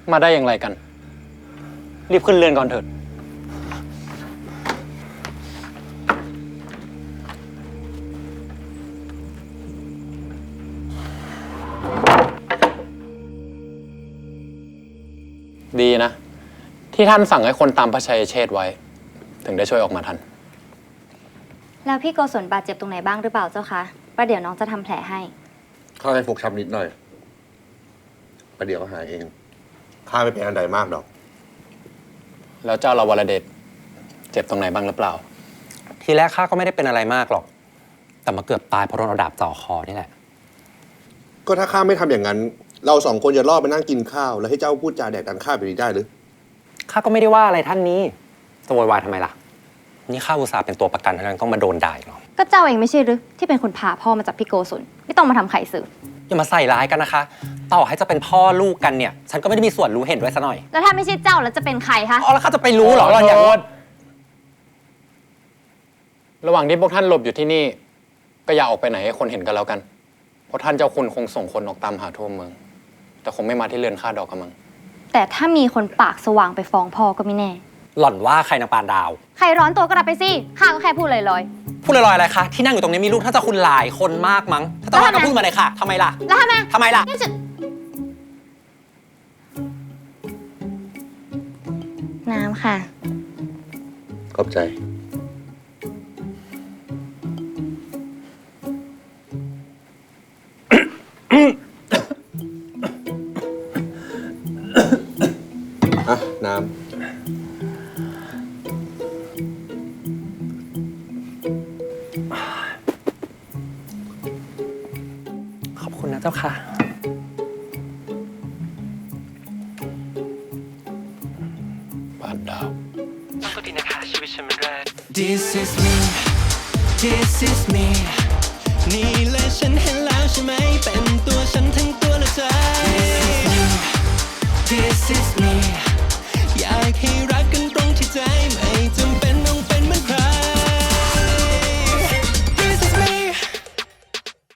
มาได้อย่างไรกัน รีบขึ้นเรือนก่อนเถิดดีนะ ที่ท่านสั่งให้คนตามพระชัยเชษฐ์ไว้ ถึงได้ช่วยออกมาทันแล้วพี่โกศลบาดเจ็บตรงไหนบ้างหรือเปล่าเจ้าคะประเดี๋ยวน้องจะทำแผลให้ข้าให้ฟกช้ำนิดหน่อยประเดี๋ยวก็หายเองข้าไม่เป็นอันใดมากดอกแล้วเจ้าละวรเดชเจ็บตรงไหนบ้างหรือเปล่าทีแรกข้าก็ไม่ได้เป็นอะไรมากหรอก แต่มาเกือบตายเพราะโดนเอาดาบจ่อคอนี่แหละก็ถ้าข้าไม่ทำอย่างนั้น เราสองคนจะรอดไปนั่งกินข้าว แล้วให้เจ้าพูดจาแดกดันข้าไปได้หรือข้าก็ไม่ได้ว่าอะไรท่านนี้จะโวยวายทำไมล่ะ นี่ข้าอุตส่าห์เป็นตัวประกันเท่านั้นต้องมาโดนด่าอีกเหรอก็เจ้าเองไม่ใช่หรือที่เป็นคนพาพ่อมาจากพี่โกศลไม่ต้องมาทำไข่สื่ออย่ามาใส่ร้ายกันนะคะ ต่อให้จะเป็นพ่อลูกกันเนี่ย ฉันก็ไม่ได้มีส่วนรู้เห็นด้วยซะหน่อยแล้วถ้าไม่ใช่เจ้าแล้วจะเป็นใครคะอ๋อแล้วข้าจะไปรู้เหรอเราอยากรู้ระหว่างที่พวกท่านหลบอยู่ที่นี่ ก็อย่าออกไปไหนให้คนเห็นกันแล้วกัน เพราะท่านเจ้าคุณคงส่งคนออกตามหาทั่วเมือง แต่คงไม่มาที่เรือนข้าดอกกระมังแต่ถ้ามีคนปากสว่างไปฟ้องพ่อก็ไม่แน่หล่อนว่าใครนางปานดาวใครร้อนตัวก็รับไปสิข้าก็แค่พูดลอยพูดลอยๆอะไรคะที่นั่งอยู่ตรงนี้มีลูกท่านเจ้าคุณหลายคนมากมั้งถ้าจะว่าก็พูดมาเลยค่ะทำไมล่ะๆแล้วทำไมทำไมล่ะนี่จะน้ำค่ะขอบใจ อ่ะ น้ำขอบคุณนะเจ้าค่ะปานดาวต้องก็ดีนะคะชีวิตฉันมันแรก This is me นี่เลยฉันเห็น